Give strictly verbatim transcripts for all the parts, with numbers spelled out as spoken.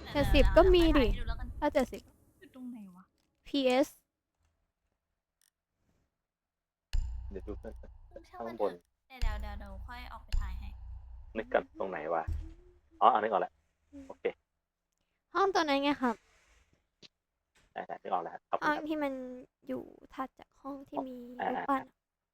เจ็ดสิบก็มีดิถ้าเจ็ดสิบอยู่ตรงไหนวะพี เอสเดี๋ยวดูข้างบนเดี๋ยวเดี๋ยวเดี๋ยวเดี๋ยวค่อยออกไปถ่ายให้นึกกันตรงไหนวะอ๋ออันนึกออกแล้วโอเคห้องตัวนั้นไงครับได้ได้นึกออกแล้วขอบคุห้ณองครับที่มันอยู่ถัดจากห้องที่มีอ่ารูปปั้น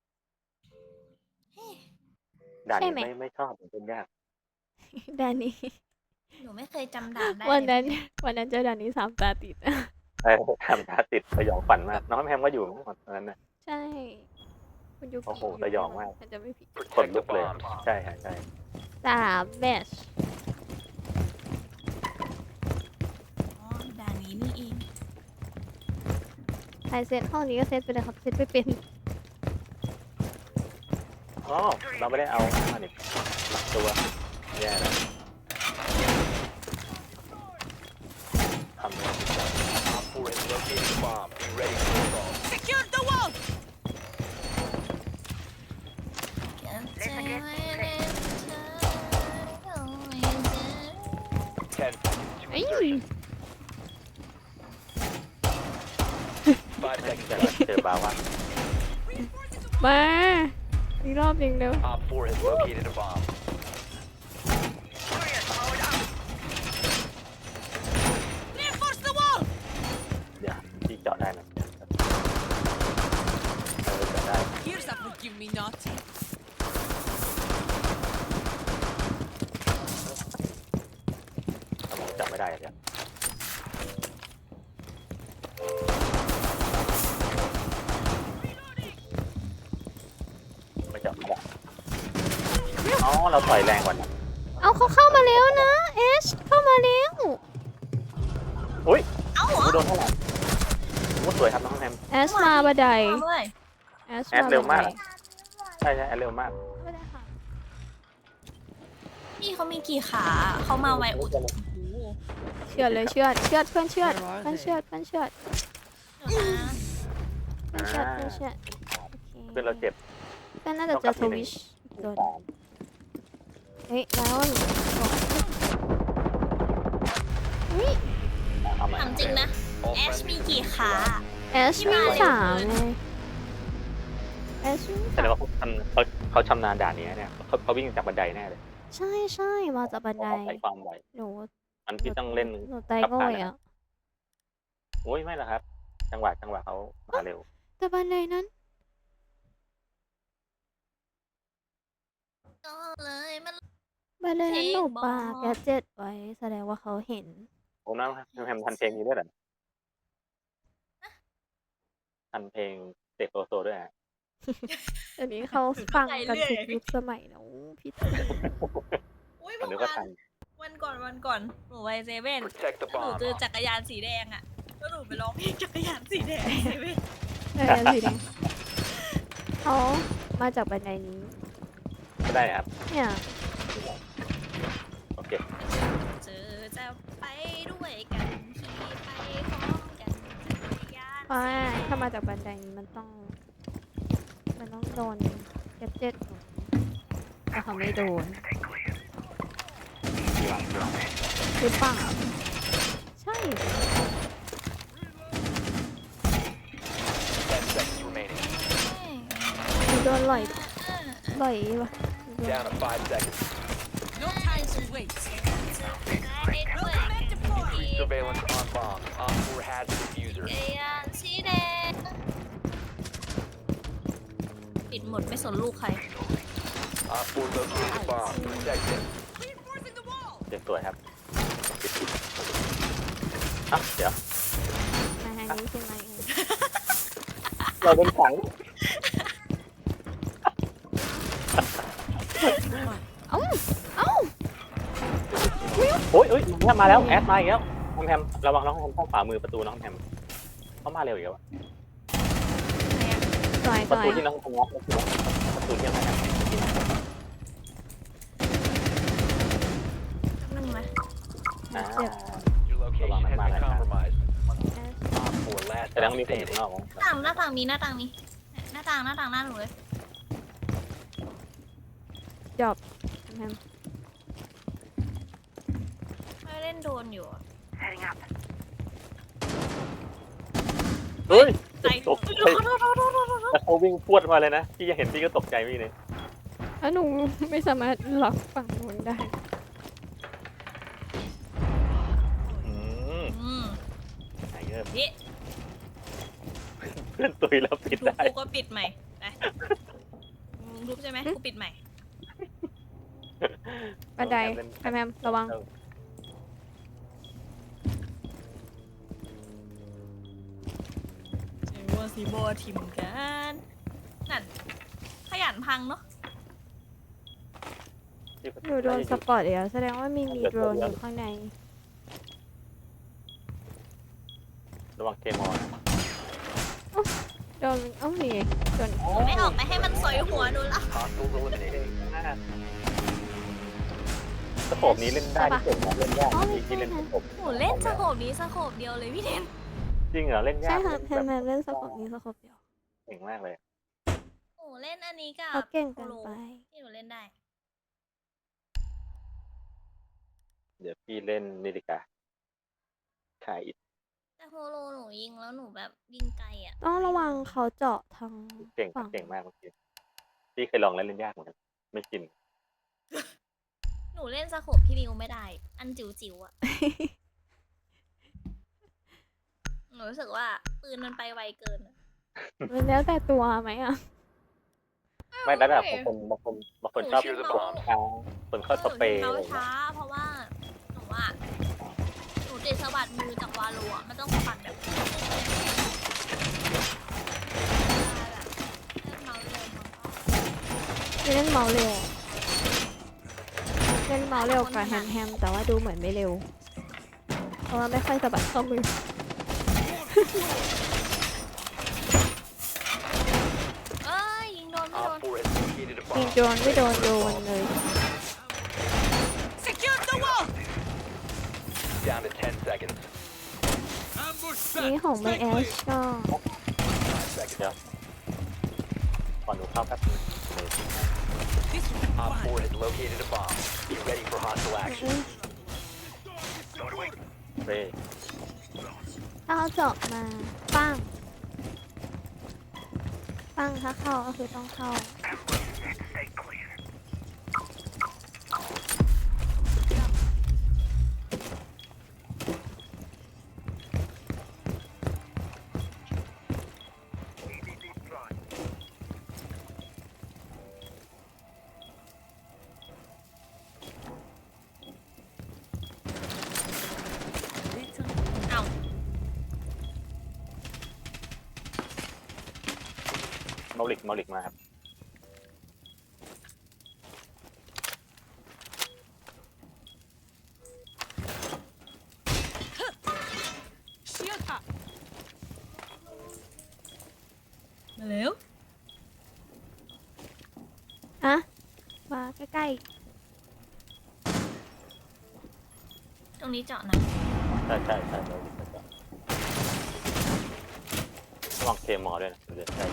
ด่านใช่นี้ไหมไม่ไม่ชอบมันเป็นยากด่านนี้หนูไม่เคยจำด่านได้วันนั้นเลยวันนั้นเจอด่านนี้สามตาติดใช่ทำตาติดสยองฝันมากน้องแพมก็อยู่ตอนนั้นนะใช่คุณยูกิโอ้โหยู่สยองมากมันจะไม่ผิดขนลุกเลยใช่ค่ะใช่สามแมชอ๋อด่านนี้นี่เองใครเซตห้องนี้ก็เซตไปเลยครับเซตไปเป็นอ๋อเราไม่ได้เอามาเนี่ยหลักตัวแย่แล้วทำเลย Op four has located a bomb. Be ready for assault. Secure the wall! เก็บใจไว้ในใจเอาไว้เจอ Ten seconds to เอ้ย insertion. Five seconds แต่ left. เจอบาว่ามาอีกรอบหนึ่งเร็ว Op four has located a bomb. Reinforce the wall! เดี๋ยวที่เจาะได้นะเออเจาะได้ Here's a forgive me not. สมองจับไม่ได้เลยไม่จับไม่ได้อ๋อเราต่อยแรงกว่านะเอาเขาเข้ามาแล้วนะเอชเข้ามาแล้วอุ้ยเอ้าเหรอโดนเท่าไหร่โอ้สวยครับน้องแฮมเอชมาบันไดมาเลยเอชแอดเร็วมาก ใช่ใช่เร็วมากบันไดค่ะพี่เขามีกี่ขาเขามาไวอุดโอ้โหเชื่อดเลยเชื่อดเชื่อดเพื่อนเชื่อดเพื่อนเชื่อดเพื่อนเชื่อดเดี๋ยวนะเพื่อนเชื่อดเพื่อนเชื่อดโอเคเพื่อนเราเจ็บเพื่อนน่าจะเจอทวิชอีกตัวหนึ่งเฮ้ยแล้วหนูอุ้ยเอาใหม่ถามจริงนะ All แอช friendly มีกี่ขาเอชมีสามไงเอชมีแสสาดงมว่าเขาชำเขาเขาชำนาญด่านนี้เนี่ยเขาเขาวิ่งจากบันไดแน่เลยใช่ใช่มาจากบันไดเขาใช้ความไวหนูมันที่ต้องเล่นหนูไตโง่อะโอ้ยไม่หรอกครับ จังหวะจังหวะเขามาเร็วแต่บันไดนั้นก็เลยมันบันไดนั้นหนูเพลงปาบอกแกดเจ็ตไว้แสดงว่าเขาเห็นผมน้ำแฮมทันเพลงนี้ด้วยเหรอทันเพลงเตะโซโซด้วยฮะเดี๋ยวนี้เขาฟังกันทุกยุคสมัยแล้วพี่เต๋ออุ้ยผมนึกเมื่อว่าวาทันนวันก่อนวันก่อนหนูไปเซเว่น Protect the แล้วหนู bomb. เจอจักรยานสีแดงอ่ะแล้วหนูไปร้องเพลงจักรยานสีแดงเซเว่นเออสีแดงเขามาจากบันไดนี้ก็ได้ครับเนี่ยโอเคเจอจะไปด้วยกันขี่ไปพร้อมกันจักรยานเพราะว่าถ้ามาจากบันไดนี้มันต้อง มันต้องโดนแกดเจ็ตหนูแต่เขาไม่โดนดีหวังดีหวังหรือเปล่าใช่ Ten seconds remaining. หนูโดนไหลเออไหลวะหนูโดน Down to five seconds. No time to wait. ได้ด้วยกัน Increase surveillance on bomb. Op four has the diffuser. จักรยานสีแดงปิดหมดไม่สนลูกใคร Op four located a bomb. Protect it. Reinforcing the wall! เจ็บสวยครับอ่ะเดี๋ยวมาทางนี้ใช่ไหมเราเป็นขังเอ้าเอ้าโอ้ยโอ้ยมามาแล้วแอดมาอีกแล้วน้องแฮมระวังน้องแฮมเข้าฝ่ามือประตูน้องแฮมเขามาเร็วอีกแล้วอะต่อยประต่อยตูที่น้องแฮมล็อกประตูประตูที่น้องแฮมนั่งไหมอ่า Your location has been compromised. เอส Op four last แสดง stop ว่ามีคนอยู่ standing. ข้างนอกมั้งหน้าต่างหน้าต่างมีหน้าต่างมีหน้าต่างหน้าต่างหน้าหนูเลยจอบแฮมไม่เล่นโดนอยู่อะเฮ้ยใจตกโทใจษโทษโทษโทษโทษโทษแล้วเขาวิ่งพรวดมาเลยนะพี่ยังเห็นพี่ก็ตกใจพี่เลยแล้วหนูไม่สามารถล็อกฝั่งนู้นได้อืมอืมไอ้เงี้ยนี่เพื่อนตุยแล้วปิดทุบได้กูก็ปิดใหม่ไปมึงทุบใช่ไหมกูปิดใหม่บันไดแฮมแฮมระวังเจอว่าซีโบทิมกันนั่นขยันพังเนาะหนูโดนสปอร์ตแล้วแสดงว่ามีมีโดรนอยู่ข้างในระวังเกมออนโดนเอ้านี่ไงโดนหนูไม่ออกไปให้มันสอยหัวหนูละ Hostiles eliminated. สโคปนี้เล่นได้ที่สุดนะเล่นยากที่ที่เล่นสโคปหนูเล่นสโคบนี้สโคบเดียวเลยพี่เทนจริงเหรอเล่นยาใช่กครับแฮแบมบแฮมเล่นสกอปนี้สกอปเดียวเก่งมากเลยหนูเล่นอันนี้กับเขาเก่งเกินไปที่หนูเล่นได้เดี๋ยวพี่เล่นนี่ดีกว่าขายอิฐแต่โฮโลหนูยิงแล้วหนูแบบยิงไกลอ่ะต้องระวังเขาเจาะทางเก่งฝั่งเก่งมากเมื่อกี้พี่เคยลองแล้วเล่นยากเหมือนกันไม่ชินหนูเล่นสโคบพี่ริวไม่ได้ อันจิ๋วจิ๋วๆอ่ะ หนูรู้สึกว่าปืนมันไปไวเกินอะมันแล้วแต่ตัวไหมอ่ะไม่ได้แบบบางคนบางคนบางคนชอบหกนูดเมาค้างคนเข้าสเปรย์หนูอะไรเมาเงี้ยช้า เพราะว่าหนูอ่ะหนูติดสะบัดมือจากวาโลอ่ะมันต้องสะบัดแบบเล่นเมาส์เร็วมันก็เล่นเมาส์เร็วเล่นเมาส์เร็วกว่าแฮมแฮมแต่ว่าดูเหมือนไม่เร็ว เพราะว่าไม่ค่อยสะบัดข้อมือเอ้ยยิงโดนไม่โด Op น four has located a ยิง bomb. โดนไม่โดนโดนเลย Secure the wall. Down to ten seconds. นี่ของไม่แอชก็ Five seconds. เดี๋ยวก่อนหนูเข้าแป๊บนึง This will be Op fun. four has located a bomb. Be ready for hostile action. เร่ถ้าเขาเจาะมาปั้งปั้งถ้าเข้าก็คือต้องเข้าเอ้าเมาลิกเมาลิกมาครับ Shield up. มาเร็วอะมาใกล้ตรงนี้เจาะนะใช่ใช่ใช่เมาลิกก็ระวังเคมอด้วยนะเดี๋ยวใช่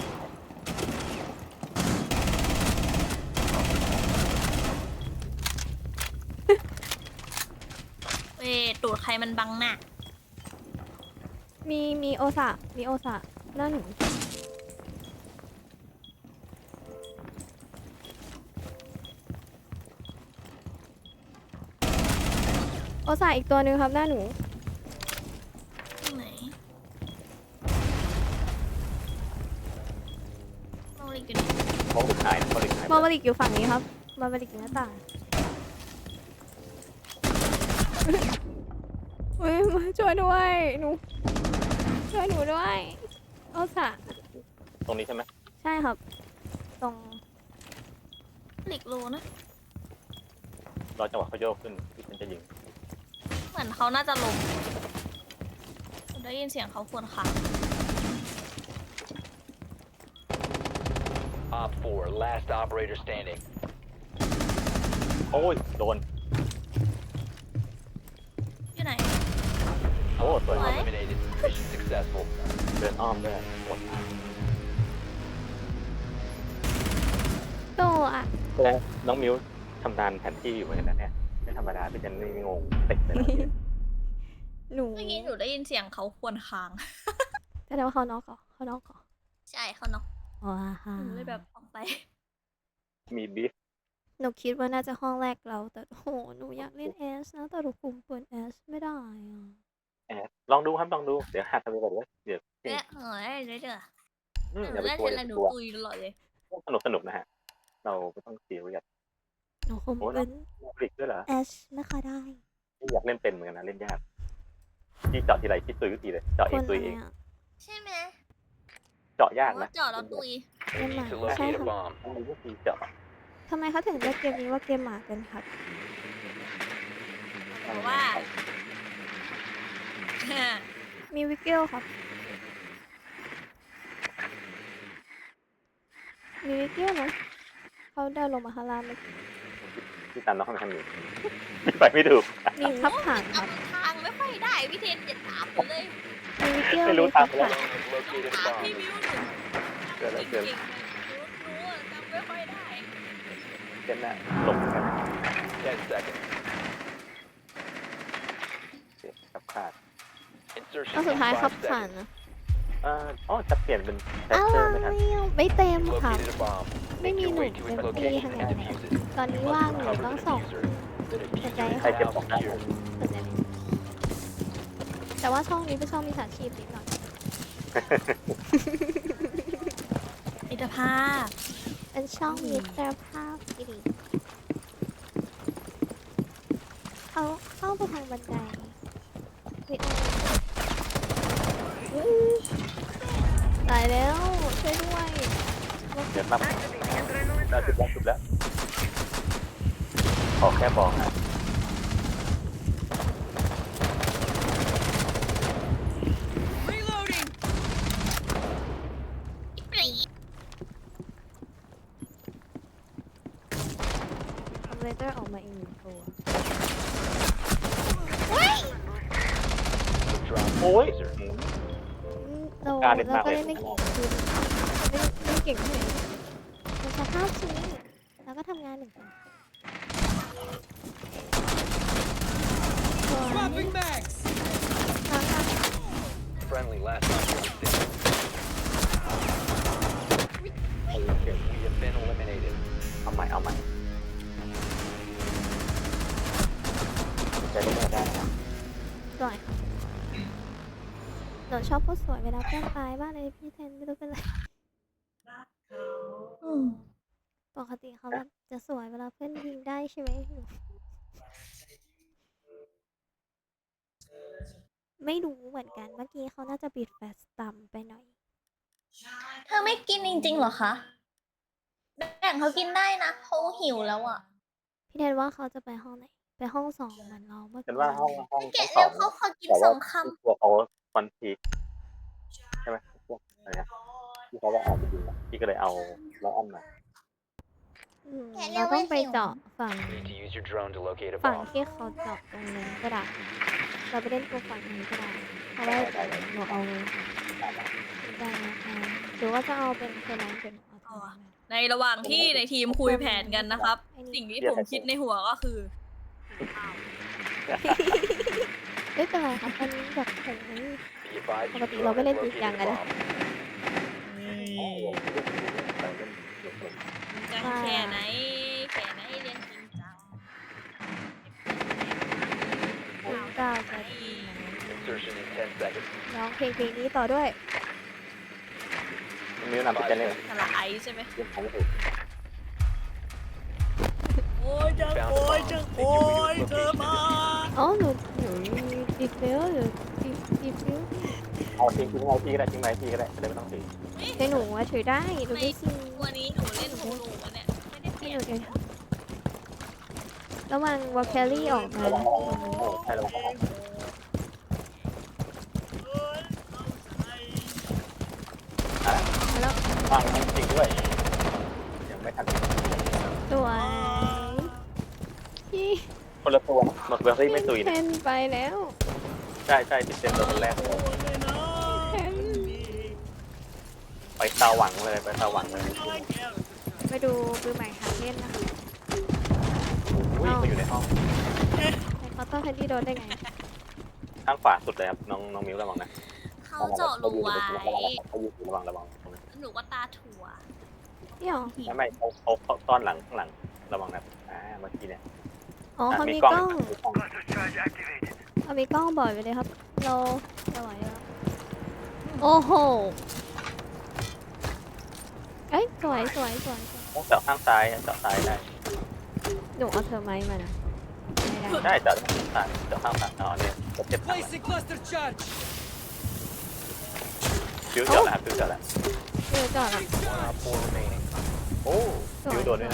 เว้ยตูดใครมันบังหน้าๆ มีมีโอซะมีโอซะหน้าหนูโอซะอีกตัวหนึ่งครับหน้าหนูตรงไหนโมลิกอยู่ไหนเมาลิกหายนะเมาลิกหายมอมาริกอยู่ฝั่งนี้ครับมอมาริกอยู่หน้าต่างเฮ้ยมาช่วยด้วยหนูช่วยหนูด้วยโอซะตรงนี้ใช่ไหมใช่ครับ ตรงลิกโลนะรอจังหวะเขาโยกขึ้นที่ฉันจะยิงเหมือนเขาน่าจะลงผมได้ยินเสียงเขาควรค่ะ Op four, last operator standing. โอ้ยโดนอยู่ไหนโอ้สวย What? Eliminated. Mission successful. เดินอ้อมด้วยหมดโตอ่ะแล้วน้องมิวชำนาญแผนที่อยู่เหมือนกันนะเนี่ยไม่ธรรมดาพี่เจนนี่งงติดเลยนะหนูเมื่อกี้หนูได้ยินเสียงเขาครวรครางแต่ว่าเขาน็อกเหรอเขาน็อกเหรอใช่เขาเนาะว้าฮ่าหนูเลยแบบออกไปมีบีฟหนูคิดว่าน่าจะห้องแรกเรา แต่โหหนูอยากเล่นเอสนะแต่หนูคุมเปิดเอสไม่ได้อ่ะแอดลองดูครับลองดูเดี๋ยวหัดทำไปก่อนเลยเดี๋ยวเนี่ยเฮ้ยเรื่อยอืมๆหอนูย่าไปได้กลัวเทอย่าน ไปกลัวอะไรหนูตุยตลอดเลยสนุกสนุกนะฮะเราไม่ต้องซีเรียสหนูคุมโอ้เป็นฟลิกด้วยเหรอเอสไม่ค่อยได้ที่อยากเล่นเป็นเหมือนกันนะเล่นยากที่เจาะทีไรคิดตุยทุกทีเลยเจาะคเองนตุอะยไรเองอ่ะใช่ไหมเจาะยากเพราะนะว่าเจาะแล้วตุย You need to Never mind. locate a bomb. ต้องมีวิธีเจาะทำไมเขาถึงเรียกเกมนี้ว่าเกมหมากันครับเพราะว่ามีวิกเกลครับ มีวิกเกลนะเขาเดินลงมาข้างล่างเมื่อกี้ที่ตามน้องเขาทำอยู่ ไปไม่ถูกมีขับผ่านครับจำทางไม่ค่อยได้พี่เทนอย่าถามผมเลยมีวิกเกลไม่รู้มีขับตามไปแล้วผ่าน Drone has located a ถามพี่ bomb. มิวหนูเกิดอะไรเกิดเก่งๆเลยหนูอะจำไม่ค่อยได้เช่นน่ะหลบกัน Ten seconds. เสียกับขาด Insertion ก็สุด in ท้ายขับ five ผ่าน seconds. นะเอ่ออ๋อจะเปลี่ยนเป็นแฟอะเตไรอร์ไม่ทันอ่ะไม่เต็ม You ค่ะ located a bomb. ไม่ Make มี your หนุ่ way ม to เป็น its พี่ location ทั้ง and นั้น defuse it. ตอนนี้ You ว่าง must อยู่ recover ต้อง the ส่ง diffuser. The กระ diffuser จาย is ใครเก็บ now ของได้ secured. แต่ว่าช่องนี้เป็นช่องมิจฉาชีพนิดหน่อยอิตาภาพเป็นช่องมิตรภาพที่ดีเขาเข้าไปทางบันไดวิโออื้อตายแล้วช่วยด้วยเดี๋ยวรับได้จุดแล้วจุดแล้ว ขอแค่บอกนะ Reloading. คอมเพลเตอร์ออกมาอีกหนึ่งตัว Drop the โอ้ย diffuser. อืมเราการเล่นเรามากก็เลยเล่นไม่เก่งคือไม่ไม่เก่งเท่าไหร่มันสภาพชีวิตแล้วก็ทำงานเหมือนกัน Swapping bags. ครั้งละ Friendly last operator standing. โอเค We have been eliminated. เอาใหม่เอาใหม่จะได้ไม่ได้นะสวยค่ะหนูชอบพูดสวยเวลาเพื่อนตายบ้างเลยพี่เทนไม่รู้เป็นไรอืมปกติเขาแบบจะสวยเวลาเพื่อนยิงได้ใช่ไหมหนูไม่รู้เหมือนกันเมื่อกี้เขาน่าจะปิดแฟลชต่ำไปหน่อยเธอไม่กินจริงๆเหรอคะแบ่งเขากินได้นะเขาหิวแล้วอ่ะพี่เทนว่าเขาจะไปห้องไหน ไปห้องสองเหมือนเราเมื่อฉันกี้ว่าห้องห้องแกะสอเร็งวเขาขอกินแต่สว่าองคตัวเขาคอนทีใช่ไหมพวกอะไรนะที่เขาว่าออกไปยิงอะพี่ก็เลยเอาล้ออ้อมมาอืมเราต้องไปเจาะฝั่ง You need to use your drone to locate a ฝั่ง bomb. ที่เขาเจาะตรงนั้นก็ได้เราไปเล่นตัวฝั่งนี้ก็ได้เพราะว่าเราเอาได้นะคะหรือว่าจะเอาเป็นตัวนั้นเป็นเอาตัวนั้นมาำในระหว่างที่ในทีมคุยแผนกันนะครับ สิ่งที่ผมคิดในหัวก็คือไม่เป็นไรครับอันนี้แบบโอ้ย Be advised ป your กติเรา drone ไม่ has เล่นจริง located จัง a กันนะ bomb. จะแค่ไหนแค่ไหนเรียนจริงจังคุณก้าวจะดีไหม Insertion in ten seconds. ร้องเพลงเพลงนี้ต่อด้วยมีแนะนำพี่ Five แกเลย seconds. สละไอใช่ไหมเรื่องของถูกโอ้ยจะ Found โอ้ย the จะ bomb. โอ้ Make ย your way เธ to อ its มา location. อ๋อหนูหนูดีเฟลหรือดีดีเฟลเอาทิ้งทิ้งไว้พี่ก็ได้ทิ้งไว้พี่ก็ได้จะได้ไม่ต้องถือแต่หนูว่าถือได้หนูไม่ซิงวันนี้หนูเล่นฮูลูอะเนี่ยไม่ได้เปให้ลี่หยนูนเดี๋ยวระวังวอลแคลรี่ออกมาระวังระวังโอ้ใช่ระวังระวังแล้วอ่าจริงด้วยยังไม่ทันสวยพี่คนละตัวหมดเบอร์รี่ไม่ตุยเทนะนไปแล้วใช่ใช่ติดเต็มตัวคนแรกเลยเทนไปตาหวังเลยไปตาหวังเลยไปดูปืนใหม่หาเล่นนะคะอุ้ยมาอยู่ในห้องในเคาน์เตอร์แคนดี้โดนได้ไงฮข้างขวาสุดเลยครับน้องน้องมิวระวังนะเขาเจาะรูไว้เขายืนระวังระวังตรงนั้นหนูก็ตาถั่วเดี๋ยวไม่ไม่เขาเขาเขาซ่อนหลังข้างหลังระวังนะอ่าเมื่อกี้เนี่ยอ๋อเขามีมีกกล้ล้ออง งมีกล้องเขามีกล้องบ่อยไปเลยครับ เราจะไหวแล้วโอ้โหเอ้ยสวยสวยสวยสวยต้องเจาะข้างซ้ายเจาะซ้ายได้หนูเอาเธอไม้มานะไม่ได้ได้เจาะข้างซ้ายเจาะข้างซ้ายอ๋อเนี่ยจะเจ็บข้างหลัง Placing cluster charge. ฟิวเจาะแล้วครับฟิวเจาะแล้วเดี๋ยวจอดละ One op four remaining. โอ้ฟิวโดนด้วยนะ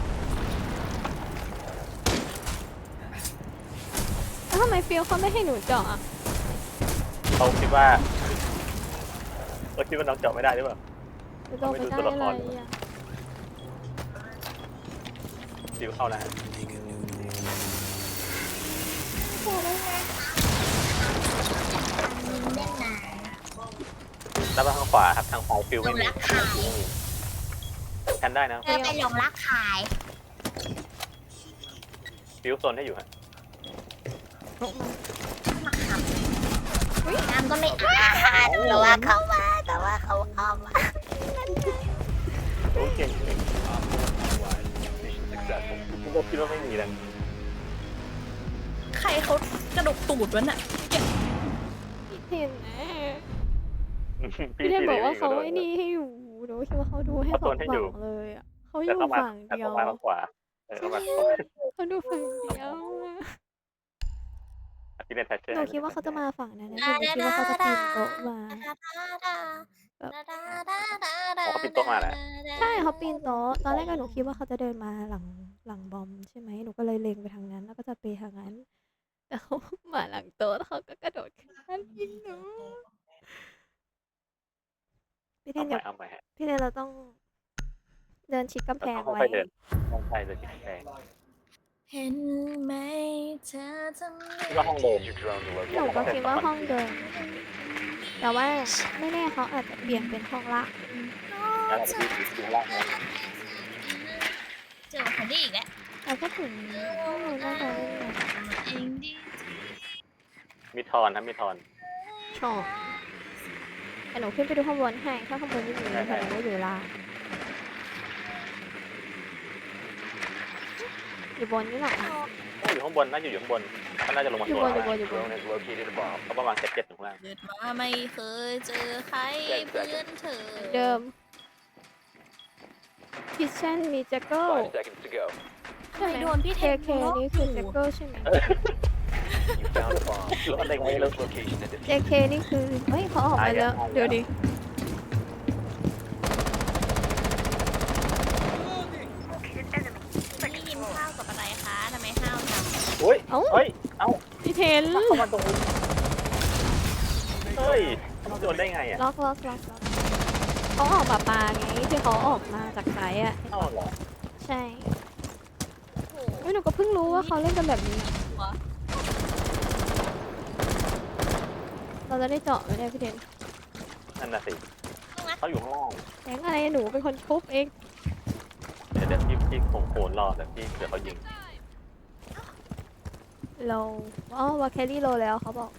แล้วทำไมฟิลเขาไม่ให้หนูเจาะอ่ะเขาคิดว่าเขาคิดว่าน้องเจาะไม่ได้หรือเปล่าหนูเจาะไม่ได้อะไรอ่ะฟิวเข้าแล้วเล่นไหนแล้วทางขวาครับทางขวาฟิวไม่มีแทนได้นะเธอเป็นหลงรักขายฟิวโซนให้อยู่ฮะน้ำก็ไม่อาบแต่ว่าเขามาแต่ว่าเขาเอามาโอ้เก่งเก่ง Mission successful. ผมก็คิดว่าไม่มีแล้วใครเขากระดกตูดวะน่ะพี่เทนนะพี่เทนบอกว่าเขาไอ้นี่ให้อยู่หนูคิดว่าเขาดูให้สองฝั่งเลยอ่ะเขาอแต่ยู่ต้องมาฝั่งแต่เดียต้อวงมาทางขวาเออต้องมาเขาดูฝั่งเดียวอะที่เป็นแทชเชอร์หนูคิดว่าเขาจะมาฝั่งนั้นนะหนูคิดว่าเขาจะปีนโต๊ะมาเขาปิดโต๊ะมาแหละใช่เขาปีนโต๊ะตอนแรกก็หนูคิดว่าเขาจะเดินมาหลังหลังบอมใช่ไหมหนูก็เลยเล็งไปทางนั้นแล้วก็จะไปทางนั้นแต่เขามาหลังโต๊ะแล้วเขาก็กระโดดขึ้นมายิงหนูพี่เทเอานไปอย่าเอาไปฮะพี่เทนเราต้องเดินชิดกำแพงต้องไว้ค่อยๆเดินต้องใช่เลยที่แพงเห็นไหมเธอทำไมคิดว่าห้องเดิน Use your drone to หนู locate ก็ the คิดว่าห้องเดินแต่ว่าไม่แน่เขาอาจจะเปลี่ยนเป็นห้องละแล้วเราไปที่ที่ล่างนะเจอคนนี้อีกแล้วแต่ถ้าถึงห้องนู้นน่าจะไม่มีเองดีมีทอนนะมีทอนชอบแต่หนูขึ้นไปดูข้างบนให้ถ้าข้างบนไม่มีแต่หนูไม่อยู่ล่างอยู่บนนี่หรอโอ้อยู่ข้างบนน่าจะอยู่ข้างบนเขาน่าจะลงมาอยู่ตัวบนอยู่บนอยู่บน Drone has located a bomb. เขาประมาณเจ็ดเจ็ดถึงข้างล่างเกิดมาไม่เคยเจอใครเพื่อนเธอเดิมคิทเช่นมีแจ็คเกิล Five seconds to go. ใช่ไหมโดนพี่เคเทนเคนี่คือแจ็คเกิลใช่ไหม You found a bomb. รอดได้ไง Locate แล้ว its location and เจ defuse เคนี่คือเฮ้ยเขาออกมาแล้วเดี๋ยวดินี่กินข้าวกับอะไรคะทำไมห้าวจังโอ้ยเอ้าเฮ้ยเอ้าพี่เทนเข้ามาตรงนี้เฮ้ยเขาโดนได้ไงอ่ะล็อกล็อกล็อกล็อกเขาออกมาปลาไงที่เขาออกมาจากไซต์อ่ะเข้าเหรอใช่โอ้เฮ้ยหนูก็เพิ่งรู้ว่าเขาเล่นกันแบบนี้โหเราจะได้เจาะไหมเนี่ยพี่เทนนั่นน่ะสิเขาอยู่ข้างล่างแทงอะไรหนูเป็นคนทุบเองเดี๋ยวเดี๋ยวพี่พี่คงโขนรอแต่พี่เดี๋ยวเขายิงเราอ๋อว่าแครี่โลแล้วเขาบอก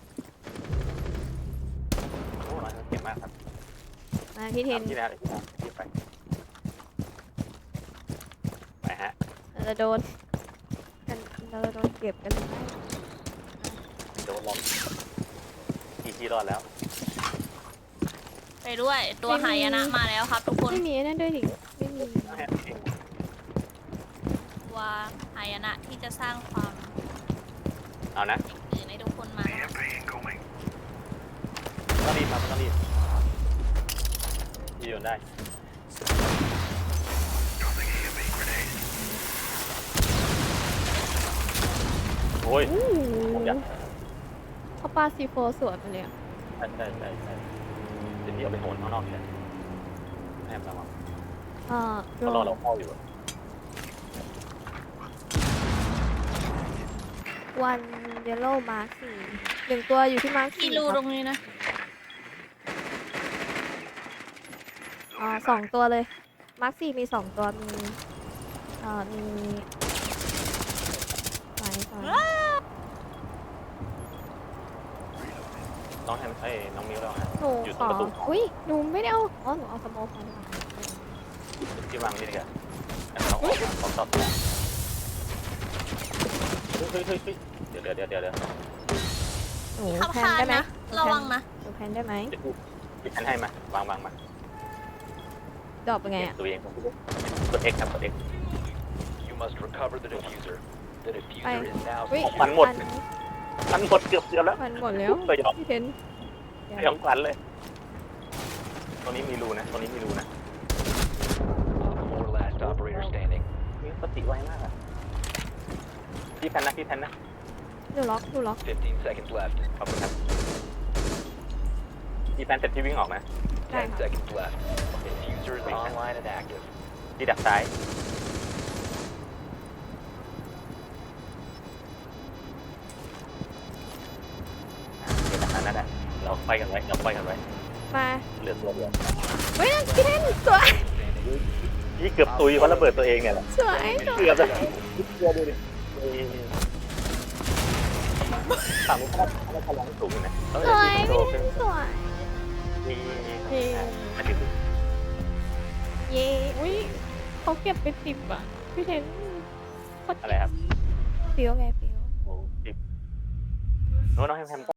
โอ้ร้อยเก่งมากครับมาพี่เทนทำที่แล้วเดี๋ยวพี่ทำพี่ไปไปฮะเราจะโดนกันเราจะโดนเก็บกันหรือไม่โดนลมกี่ที่รอดแล้วไปด้วยตัวหายนะมาแล้วครับทุกคนไม่มีนั่นด้วยดิไม่มีตัวหายนะที่จะสร้างความเอานะตื่นให้ทุกคนมาแล้วต้องรีบครับต้องรีบยืนได้โอ้ยอู้ผมอยากเขาปาซีโฟสวนมาเลยอะใช่ใช่ใช่ใช่เดี๋ยวพี่เอาไปโหนข้างนอกเลยแอมระวังอ่าเขารอเราเข้าอยู่วันเยลโล่มาร์คสี่หนึ่งตัวอยู่ที่มาร์คที่สี่รูคตรัรบงนี้นะอ่าสองตัวเลย มาร์คสี่มีสองตัว มีอ่ามีสายสายน้องแฮมเอ้ยน้องมิวแล้วฮะหนูอยู่ขตรงอประตูอุ้ยหนูไม่ได้เอาอ๋อหนูเอาสโมกมาดีกว่าที่วางนี่ดีกว่าน้องออกมาขอตอบเฮ้ยเฮ้ยเฮ้ยเดี๋ยวเดี๋ยวเดี๋ยวเดี๋ยวเดี๋ยวหนูขับแพนคานได้ไหมนะระวังนะหนูแพนได้ไหมเดี๋ยวพี่แทนให้มาวางวางมาดรอปเป็นไงอ่ะตัวเองผมกด X ครับกด X You must recover the diffuser. The diffuser is now อุ้ยมันหมด มันหมดเกือบเกือบแล้วมันหมดแล้วสยองพี่เทนสยองขวัญเลยตรงนี้มีรูนะตรงนี้มีรูนะ four last operator standing. มีสติไวมากอะพี่แทนนะพี่แทนนะหนูล็อกหนูล็อก fifteen seconds left. ขอบคุณครับพี่แทนเสร็จพี่วิ่งออกนะ ten seconds left. Diffuser is online and active. ที่ดักซ้ายเดี๋ยวดักนั้นนะเราไปกันไว้เราไปกันไว้มาเหลือตัวเดียวเฮ้ยพี่เทนสวยนี่เกือบตุยเพราะระเบิดตัวเองเนี่ยแหละสวยสวยเกือบเลยเกือบดูดิฝั่งนู้นเขาเขาพลังสูงอยู่นะเออสวยโตพี่เทขึ้นนสวยนี่เย้อันนี้เย้อุ้ยเขาเก็บไปสิบอ่ะพี่เทนโคตรอะไรครับฟิวไงฟิวโอ้สิบโน้ตน้องแฮมแฮม